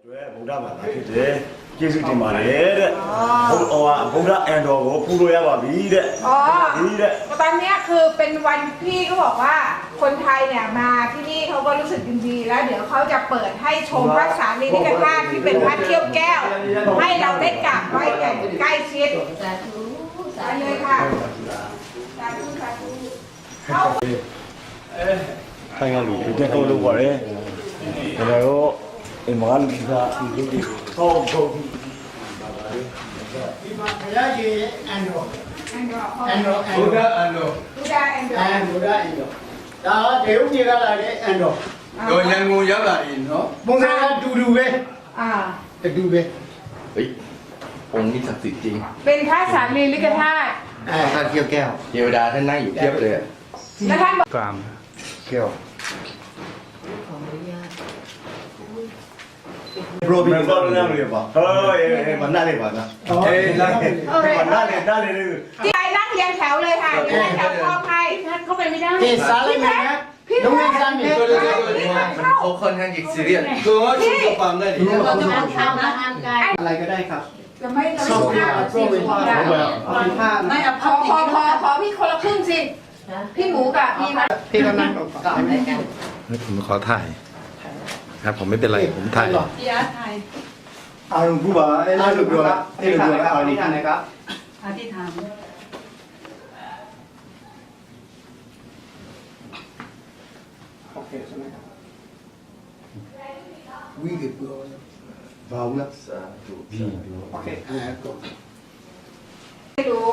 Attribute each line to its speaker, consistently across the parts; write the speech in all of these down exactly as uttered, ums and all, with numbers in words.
Speaker 1: ကျွဲဗုဒ္ဓဘာသာဖြစ်တယ်ကျေးဇူးတင်ပါတယ်တဲ့ဘုဟိုဗုဒ္ဓအန်တော်ကိုပူလို့ရပါပြီတဲ့อ๋อဒီတဲ့
Speaker 2: ตอนนี้คือเป็นวันพี่เขาบอกว่าคนไทยเนี่ยมาที่นี่เขาก็รู้สึกยินดีแล้วเดี๋ยวเขาจะเปิดให้ชมพระสารีริกธาตุที่เป็นพระเขี้ยวแก้วให้เราได้กราบไหว้อย่างใกล้ชิดสาธุสาธุเลยค่ะสาธุสาธุเข้า
Speaker 1: ခိုင်ရလူဒီတက်ကိုလို့ပါတယ်ဒါတော့အမန်ကဒီဒီဒီဟောဟုတ်
Speaker 3: ဒီမှာဘုရားရှင်အန်တော်
Speaker 2: အန်တော်
Speaker 3: အန်တော်ဘုရားအန်တော်
Speaker 2: ဘုရားအန်တော်
Speaker 3: အဲဘုရားအန်တော်ဒါဒေဝကြီးကလာတဲ့အန်တော်တော့ရန်ကုန်ရောက်လာရင်နော်ပုံစံကတူတူပဲ
Speaker 2: อ่า
Speaker 3: တူပဲ
Speaker 4: เฮ้ยองค์นี้ศักดิ์สิทธิ์จริง
Speaker 2: เป็นพระสารีริกธาตุ
Speaker 3: အဲท่านเกี่ยวแก้ว
Speaker 4: เทวดาท่านนั่งอยู่เทียบเลยอะ
Speaker 2: แล้วท่านบอก
Speaker 1: ကံ
Speaker 3: แก้ว
Speaker 1: ဘရိုဘီကောလနာလေးပါဟောအေးမနာလေးပါနော်အေးလာလေးမနာလေးနားလေး
Speaker 2: ที่ไปนั่งเรียงแถวเลยค่ะเรียงแถวครอบใครท่านเข้าไปไม่ได้
Speaker 3: เกสาเลยนะน้องเงินซันเนี่ย
Speaker 4: เขาค่อนข้างจะซีเรียส
Speaker 3: คือว่าชุดกระปังได้ดิ
Speaker 2: เราจะมาทำอาหารกาย
Speaker 3: อะไรก็ได้ครับ
Speaker 2: จะไม่เราไม่ทำสิคุณดาไม่เอาพอพอพอพอพี่คนละครึ่งสิพี่หมูกับพี่นะ
Speaker 3: พี่ก็นั่งก่อน
Speaker 5: ผมขอถ่ายครับผมไม่เป็นไรผมถ่าย
Speaker 2: พี่อาร์ตไทย
Speaker 1: အာရုံကူပါအဲ့လိုလိုပြောအဲ့လိုပြောအာရုံ
Speaker 3: ที่ทานนะครับ
Speaker 2: อธิษฐาน
Speaker 3: โอเคใช่ไหมครับวิ่งเปลือยเบานะ
Speaker 4: สาธุ
Speaker 1: ဒီ
Speaker 3: โอเคนะครับ
Speaker 2: ไม่รู้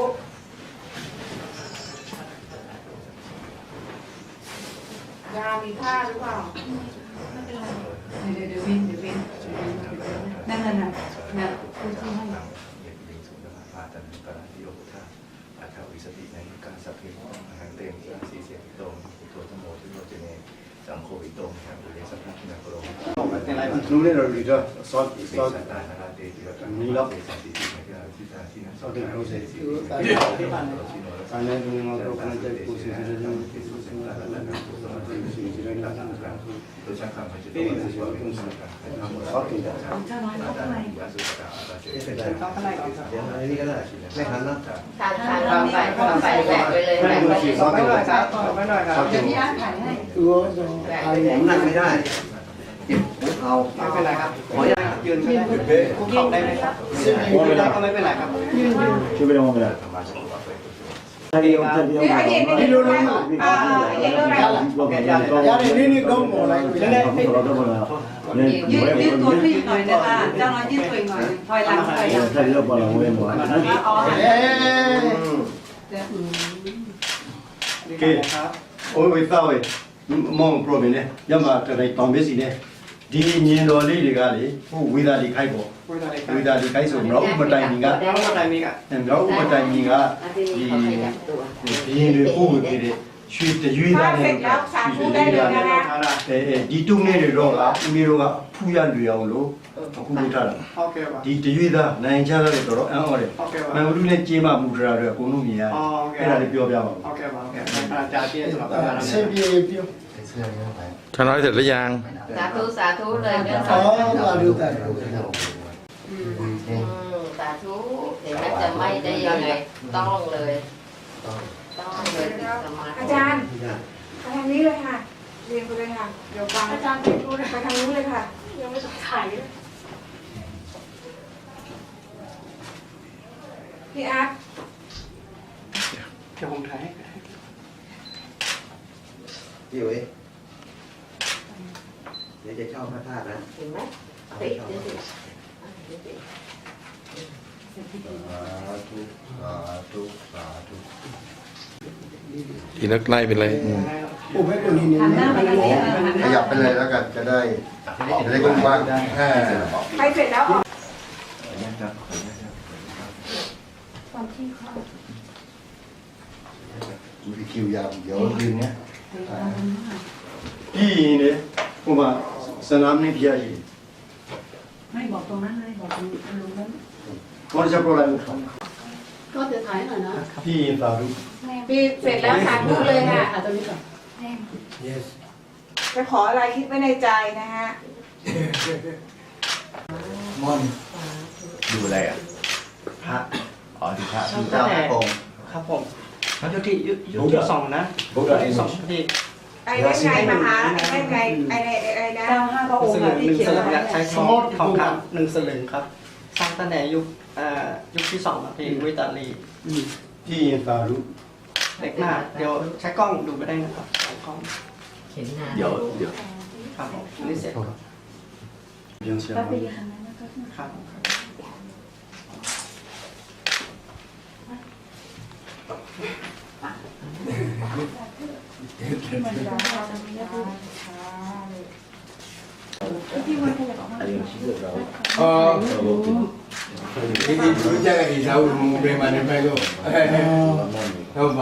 Speaker 2: ยามีผ้าหรือเปล่าไม่เป็นไรเดี๋ยวเดี๋ยววินเดี๋ยววินนั่นน่ะนะนะคุณที่ให้
Speaker 4: อาตันตระติโยธาอาคาวิสติในการสัพเพอาหารเต็มสีเสียงตรงตัวธโมทุโยเจเนสังโฆวิตรงครับอุเรสัพพะนาโกโร
Speaker 3: เป็นไรบ้าง
Speaker 1: လူလေးတော့ဒီတော့ short
Speaker 4: เส
Speaker 1: short
Speaker 4: สตานาราเตติวัตนีล็อกเสสติติในการที่ตาที่นั้นสอดเป็นโปรเซสที่ตาที่ผ่านมา
Speaker 1: ဆိုင်နေဘူးငါတို့ခဏချက်ကိုစီစီနေတယ်စီစီနေတာလည်းတော့စီစီနေတာက
Speaker 4: ตัวช่างคำมันจะต้องมาช่วยเป็นสำคัญนะครับ
Speaker 1: ဟုတ်ကဲ့ဒါ
Speaker 2: เจ้าน้อยเข้าข้างใน
Speaker 4: ยาสุกาอาเจ
Speaker 3: เข้าข้างในก่อนครับ
Speaker 1: เดี๋ยวอันนี้ก็ได้ไม่ทันแล้ว
Speaker 6: ทานทานทานไปทานไปแบกไปเลยแบกไปเลย
Speaker 3: สอบไม่หน่อยครับสอบไม่หน่อยครับ
Speaker 2: เดี๋ยวพี่อาร์ตถ่ายให้
Speaker 3: ตัว
Speaker 6: แบก
Speaker 3: อะ
Speaker 6: ไป
Speaker 3: ไร
Speaker 6: เลย
Speaker 1: ผมนั่งไม่ได้เอา
Speaker 3: ไม่เป็นไรครับขออนุญาตยืนก็ได้คุกเข่าได้ไหมครับยืนไม่ได้ก็ไม่เป็นไรครับยืนยืน
Speaker 1: ช่วยไปลองไปเลยအဲ့ဒီအောင်ပြ
Speaker 2: เดี๋ยวไอเด็กไม่รู้นะอ่าไอเด็กรู้นะ
Speaker 3: ရတယ်နည်းနည်းကောင်းပေါ်လိုက်နည်းနည်းဖိတ်
Speaker 1: တော့တော့လာနေ
Speaker 7: ยืดยืดตัวขึ้นหน่อยนะคะเจ้าน้อยยืดตัวอีกหน่อยถอยหลังถอยหลัง
Speaker 1: ဆက်ရောက်ပါလာဝင်ပါ
Speaker 2: อ๋อ
Speaker 3: เอ๊ะ
Speaker 1: ကဲโอ้ยတော့မောင် problem နဲ့ရမတိုင်တောင်ပစ္စည်းနဲ့ဒီညင်တော်လေးတွေကလေဟိုဝေသာလေးခိုက်ပေါ့
Speaker 3: คุยอะไรครั
Speaker 1: ဝေသာလေးခိုက်ဆိုတော့ဥပတိုင်ကြီးက
Speaker 3: แล้วก็ไทยมีอ่ะ
Speaker 1: တော့ဥပတိုင်ကြီးက
Speaker 6: อาทิตย์
Speaker 1: ဒီ
Speaker 6: นี้เขาขยับตัว
Speaker 1: ဒီရင်တွေပို့ပေးတဲ့ရွှေတရွေး
Speaker 2: ถ้า
Speaker 1: သား
Speaker 2: เสร็
Speaker 1: နဲ့
Speaker 2: จแล้วสาธุได้เลยนะคะ
Speaker 1: အဲဒီတုံးနေတွေတော့ကဦးလေးတို့ကဖူးရလွေအောင်လို့အခုလုပ်ထားတာ
Speaker 3: โอเคป่ะ
Speaker 1: ဒီတရွေးသားနိုင်ချရတယ်တော်တော်အံ့ဩတယ်
Speaker 3: โอเคป่ะ
Speaker 1: မန်ဝလူနဲ့ကြေးမမူတရာတွေအကုန်လုံးမြင်ရတယ်အဲ့ဒါလေးပြောပြပါဦး
Speaker 3: โอเคป่ะโอเคอาจารย์เตี้ยสำหรับการเซเปียเปียว
Speaker 5: ชาน้อยเสร็จหรือยัง
Speaker 6: สาธุสาธุเลยเรื่อง
Speaker 3: อ๋
Speaker 6: สา
Speaker 3: อ
Speaker 6: ธุ
Speaker 3: มาดูแต่
Speaker 6: อืมสาธุเห็นไหมจะไม่ได้ยังไงต้องเลยต้องเลยสมาธิ
Speaker 2: อาจารย์ไปทางนี้เลยค่ะเรียนไปเลยค่ะเดี๋ยวฟังอาจารย์ไปดูไปทางนู้นเลยค่ะยังไม่ต้องถ่ายพี่อาร์ต
Speaker 3: เดี๋ยวผมถ่ายให้
Speaker 8: พี่อุ๋ยเดี๋ยวจะเช่าพระธาตุนะ
Speaker 6: เห็นไหมติดเดี๋ยวสิ
Speaker 8: สาธุสาธุสาธุ
Speaker 5: ทีนักไล่เป็นไรอืม
Speaker 3: ผมให้คนนี้เนี่ย
Speaker 7: หันหน้าไปทางนี้เออหันห
Speaker 8: ข
Speaker 7: น้า
Speaker 8: ยับไปเลยแล้วกันจะได้จะได้กว้างๆแค่
Speaker 2: ไปเสร็จแล้วออก
Speaker 8: มีคิวยาวเดี๋ยวคืนนี้
Speaker 1: ပြီးရင်လေဟိုမှာစနာမင်းပြရည်
Speaker 7: ไม่บอกตรงนั้นเลยบอกตรงลุงนั้น
Speaker 1: ဘောချက်ပေါ်လိုက်ဦး
Speaker 7: ก็จะถ่ายหน่อยนะ
Speaker 1: ပြီးရင်သာဓု
Speaker 2: พี่เสร็จแล้วสาธุเลยค่ะ
Speaker 7: ถ่ายตรงนี้ก่อน
Speaker 1: yes
Speaker 2: จะขออะไรคิดไว้ในใจนะฮะ
Speaker 3: มอน
Speaker 4: ดูอะไรอ่ะ
Speaker 1: พระ
Speaker 4: อ๋อดูพระ
Speaker 1: ที่เจ้าพระองค์
Speaker 9: ครับผมเขาอยู่ที่ยุยุที่สองนะที่สองที่
Speaker 2: ไอ้เล่นไงมหาไอ้เล่นไงไอ้ไอ้ไอ้นะ
Speaker 7: เจ้าห้าพระอง
Speaker 9: ส
Speaker 7: ค์
Speaker 9: ลึงห
Speaker 7: ที่
Speaker 9: นึ่ง
Speaker 7: เขีย
Speaker 9: ส
Speaker 7: น
Speaker 9: ลึง
Speaker 7: ไว้
Speaker 9: เนี่ยใช้ทองทองคำหนึ่งสลึงครับสร้างตั้งแต่ยุคเอ่อยุคที่สองครับที่วิตาลี
Speaker 1: ที่ตาลุ
Speaker 9: เด็กมากเดี๋ยวใช้กล้องดูก็ได้นะครับใช้กล้อง
Speaker 6: เขียนนาน
Speaker 4: เดี๋ยวเดี๋ยว
Speaker 9: ครับผมอันนี้เสร็จครับ
Speaker 1: bien sûr
Speaker 9: ครับ
Speaker 3: เออที่ที่รู้จักกันที่เราเรียนมาในไปก็เข้าไป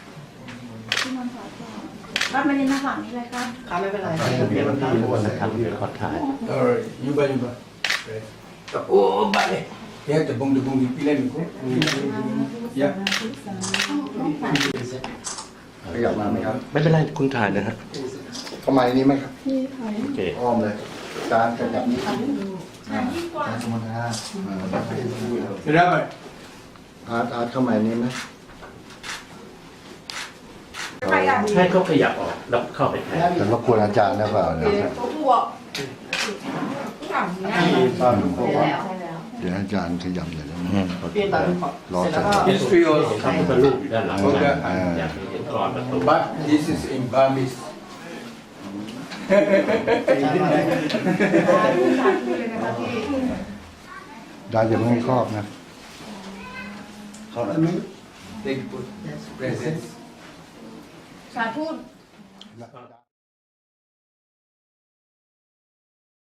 Speaker 7: รับมาเรียนหน้าฝั่งนี้เลยครับ
Speaker 9: ครับไม่เป็นไร
Speaker 5: เดี๋ยวพี่ทุกคนนะครับขอถ่าย
Speaker 3: เอออยู่บ้านอยู่บ้านโอ้บ้านเลยเดี๋ยวจะบงจะบงดีปีเล่นกูยะ
Speaker 8: ขยับมาไหมครับ
Speaker 5: ไม่เป็นไรคุณถ่ายนะฮะ
Speaker 8: เข้ามาในนี้ไหมครับ
Speaker 5: โอเค
Speaker 8: อ้อมเลยจานขยับนี้อ่าจานสมุนไพรอ่า
Speaker 3: จะได้ไหม
Speaker 8: อาร์ตอาร์ตเข้ามาในนี้ไหม
Speaker 2: ไปอ่ะ
Speaker 5: ให้เขาขยับออกแล้วเข้าไปแทน
Speaker 8: จะรบกวนอาจารย์ได้เปล่านะครับ
Speaker 2: ตัวบวกที่ทำเนี่ย
Speaker 1: ที่ตาลุ
Speaker 6: ใช่แล้วใช่แล้ว
Speaker 8: เดี๋ยวให้อาจารย์ขยับหน่อยได้ไหม
Speaker 9: พี่ตาลุขอ
Speaker 8: รอ
Speaker 9: เสร็จ
Speaker 8: สั
Speaker 9: แล้
Speaker 8: ก
Speaker 9: ว
Speaker 8: ครู่
Speaker 9: ก็
Speaker 3: history also
Speaker 5: ครับพระรูปอยู่ด้านหลัง
Speaker 3: โอเค
Speaker 8: อ่า
Speaker 5: อยากให้เห็นก่อนประตู
Speaker 3: but this is in Burmese
Speaker 8: ได้อย่าเพิ่งให้ครอบนะ
Speaker 1: เขาอันนี้
Speaker 3: they put presents
Speaker 2: สาธุ
Speaker 8: แล้ว